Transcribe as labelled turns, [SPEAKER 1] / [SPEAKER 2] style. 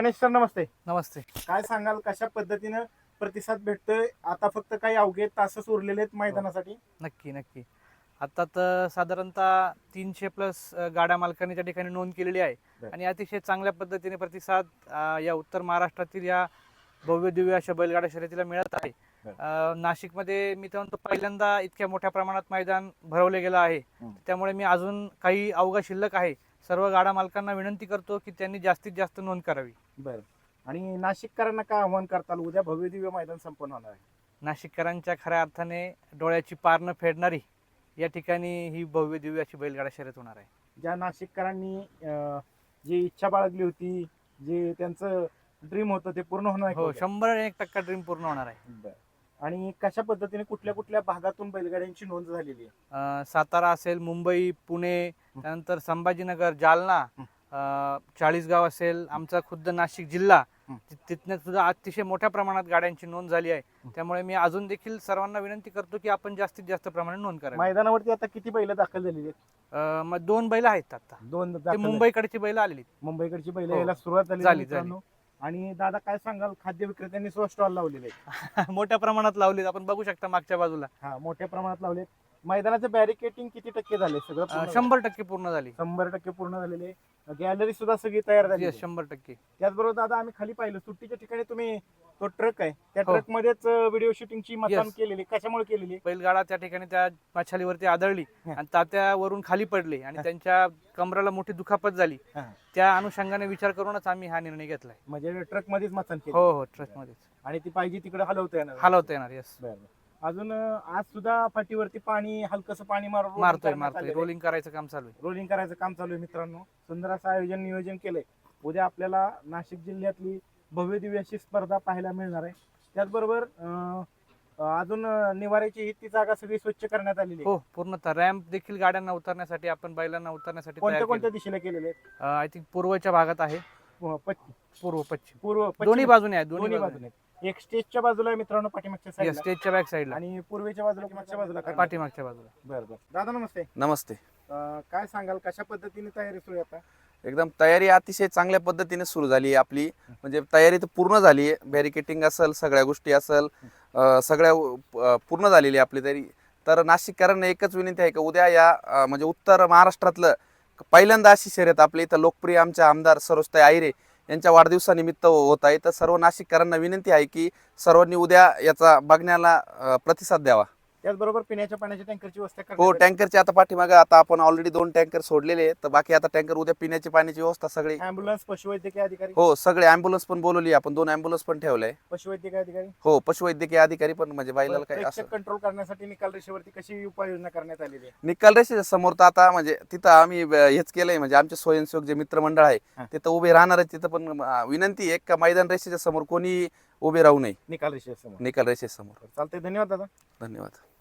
[SPEAKER 1] Ganesh sir नमस्ते.
[SPEAKER 2] नमस्ते.
[SPEAKER 1] काय सांगाल कशा पद्धतीनं प्रतिसाद भेटतोय? आता फक्त काही अवघे तासच उरलेले आहेत मैदानासाठी.
[SPEAKER 2] नक्की नक्की. आता तर साधारणतः 300 प्लस गाड्या मालकांनी त्या ठिकाणी नोंद केलेली आहे
[SPEAKER 1] बरं.
[SPEAKER 2] आणि अतिशय चांगल्या पद्धतीने प्रतिसाद या उत्तर महाराष्ट्रातील या भव्य दिव्य अशा बैलगाडा शर्यतीला मिळत आहे. नाशिकमध्ये मी तर म्हणतो पहिल्यांदा इतक्या मोठ्या प्रमाणात मैदान भरवले गेलं आहे. त्यामुळे मी अजून काही अवघा शिल्लक आहे सर्व गाडा मालकांना विनंती करतो की त्यांनी जास्तीत जास्त नोंद करावी.
[SPEAKER 1] बरं. आणि नाशिककरांना काय आव्हान करताल? उद्या भव्य दिव्य मैदान संपन्न होणार आहे.
[SPEAKER 2] नाशिककरांच्या खऱ्या अर्थाने डोळ्याची पार न फेडणारी या ठिकाणी ही भव्य दिव्य अशी बैलगाडा शर्यत होणार आहे.
[SPEAKER 1] ज्या नाशिककरांनी जी इच्छा बाळगली होती, जे त्यांचं ड्रीम होतं ते पूर्ण होणार आहे.
[SPEAKER 2] हो, 101% ड्रीम पूर्ण होणार आहे.
[SPEAKER 1] बरं. आणि कशा पद्धतीने कुठल्या कुठल्या भागातून बैलगाड्यांची नोंद झालेली आहे?
[SPEAKER 2] सातारा असेल, मुंबई, पुणे, त्यानंतर संभाजीनगर, जालना, चाळीसगाव असेल, आमचा खुद्द नाशिक जिल्हा, तिथनं सुद्धा अतिशय मोठ्या प्रमाणात गाड्यांची नोंद झाली आहे. त्यामुळे मी अजून देखील सर्वांना विनंती करतो की आपण जास्तीत जास्त प्रमाणात नोंद करावी.
[SPEAKER 1] मैदानावरती आता किती बैल दाखल झालेली आहेत?
[SPEAKER 2] मग 2 बैल आहेत आता.
[SPEAKER 1] 2
[SPEAKER 2] ते
[SPEAKER 1] दाखल झाले.
[SPEAKER 2] मुंबईकडची बैल आलेली.
[SPEAKER 1] मुंबईकडची बैल
[SPEAKER 2] हो.
[SPEAKER 1] यायला सुरुवात
[SPEAKER 2] झाली,
[SPEAKER 1] झाली मित्रांनो. आणि दादा काय सांगाल, खाद्य विक्रेत्यांनी स्टॉल लावलेले आहेत.
[SPEAKER 2] मोठ्या प्रमाणात लावलीत. आपण बघू शकता मागच्या बाजूला.
[SPEAKER 1] हा, मोठ्या प्रमाणात लावलेत. मैदानाचं बॅरिकेटिंग किती टक्के झाले? सगळं पूर्ण झालं?
[SPEAKER 2] 100% पूर्ण झाली.
[SPEAKER 1] 100% पूर्ण झालेले. गॅलरी सुद्धा सगळी तयार झाली.
[SPEAKER 2] 100%.
[SPEAKER 1] त्याचबरोबर दादा आम्ही खाली पाहिलं सुट्टीच्या ठिकाणी तुम्ही तो ट्रक आहे त्या
[SPEAKER 2] हो.
[SPEAKER 1] ट्रक मध्येच व्हिडिओ शूटिंगची मतदान
[SPEAKER 2] Yes.
[SPEAKER 1] केलेली. कशामुळे केलेली?
[SPEAKER 2] बैलगाडा त्या ठिकाणी त्या मच्छालीवरती आदळली आणि तात्यावरून खाली पडले आणि त्यांच्या कमराला मोठी दुखापत झाली.
[SPEAKER 1] हा.
[SPEAKER 2] त्या अनुषंगाने विचार करूनच आम्ही हा निर्णय घेतलाय.
[SPEAKER 1] म्हणजे ट्रक मध्येच मतदान केलं.
[SPEAKER 2] हो हो, ट्रक मध्येच
[SPEAKER 1] आणि ती पाहिजे तिकडे हलवता येणार.
[SPEAKER 2] हलवता येणार. येस.
[SPEAKER 1] बरं. अजून आज सुद्धा फाटीवरती पाणी हलकस पाणी
[SPEAKER 2] मारतोय. रोलिंग करायचं काम चालू आहे.
[SPEAKER 1] रोलिंग करायचं काम चालू आहे मित्रांनो. सुंदर असं आयोजन नियोजन केलंय. उद्या आपल्याला नाशिक जिल्ह्यातली भव्य दिव्य अशी स्पर्धा पाहायला मिळणार आहे. त्याचबरोबर अजून निवाऱ्याची ही ती जागा सगळी स्वच्छ करण्यात आलेली आहे.
[SPEAKER 2] हो, पूर्णतः रॅम्प देखील गाड्यांना उतरण्यासाठी, आपण बैलांना उतरण्यासाठी
[SPEAKER 1] कोणत्या कोणत्या दिशेला केलेले आहेत?
[SPEAKER 2] आय थिंक पूर्वच्या भागात आहे.
[SPEAKER 1] पश्चिम,
[SPEAKER 2] पूर्व पश्चिम
[SPEAKER 1] पूर्व, पश्चिम.
[SPEAKER 2] दोन्ही बाजूने आहे.
[SPEAKER 1] दोन्ही बाजूने. एक स्टेजच्या बाजूला आहे मित्रांनो, पाठीमागच्या साईडला.
[SPEAKER 2] स्टेजच्या बॅक साईडला
[SPEAKER 1] आणि पूर्वेच्या बाजूला, मागच्या बाजूला करणार.
[SPEAKER 2] पाठीमागच्या बाजूला.
[SPEAKER 1] बरं बरं. दादा नमस्ते.
[SPEAKER 3] नमस्ते.
[SPEAKER 1] काय सांगाल कशा पद्धतीने तयारी सुरू आहे आता?
[SPEAKER 3] एकदम तयारी अतिशय चांगल्या पद्धतीने सुरू झाली आहे आपली. म्हणजे तयारी तर पूर्ण झाली आहे. बॅरिकेटिंग असेल, सगळ्या गोष्टी असेल, सगळ्या पूर्ण झालेली आहे आपली तयारी. तर नाशिककरांना एकच विनंती आहे की उद्या या म्हणजे उत्तर महाराष्ट्रातलं पहिल्यांदा अशी शर्यत आपली इथं लोकप्रिय आमच्या आमदार सरोजताई आहिरे यांच्या वाढदिवसानिमित्त होत आहे. तर सर्व नाशिककरांना विनंती आहे की सर्वांनी उद्या याचा बघण्याला प्रतिसाद द्यावा.
[SPEAKER 1] त्याचबरोबर पिण्याच्या पाण्याच्या टँकरची व्यवस्था
[SPEAKER 3] हो,
[SPEAKER 1] करण्यात आली.
[SPEAKER 3] टँकरचे आता पाठीमागे आता आपण ऑलरेडी 2 टँकर सोडलेले आहेत. तर बाकी आता टँकर उद्या पिण्याची पाण्याची व्यवस्था सगळी.
[SPEAKER 1] ॲम्ब्युलन्स, पशुवैद्यकीय अधिकारी.
[SPEAKER 3] हो, सगळे ॲम्ब्युलन्स पण बोलवली आपण. 2 ॲम्ब्युलन्स पण ठेवलंय.
[SPEAKER 1] पशुवैद्यकीय अधिकारी.
[SPEAKER 3] हो, पशुवैद्यकीय अधिकारी पण म्हणजे बैलाला काय असं
[SPEAKER 1] प्रेक्षक कंट्रोल करण्यासाठी निकाल रेषेवरती कशी उपाययोजना करण्यात आलेली आहे?
[SPEAKER 3] निकाल रेषेच्या समोर तर आता म्हणजे तिथं आम्ही हेच केलंय. म्हणजे आमचे स्वयंसेवक जे मित्रमंडळ आहे तिथं उभे राहणार आहे. तिथं पण विनंती आहे का मैदान रेषेच्या समोर कोणी उभे राहू नये.
[SPEAKER 1] निकाल रेषेसमोर.
[SPEAKER 3] निकाल रेषेच्या समोर.
[SPEAKER 1] चालतंय. धन्यवाद दादा.
[SPEAKER 3] धन्यवाद.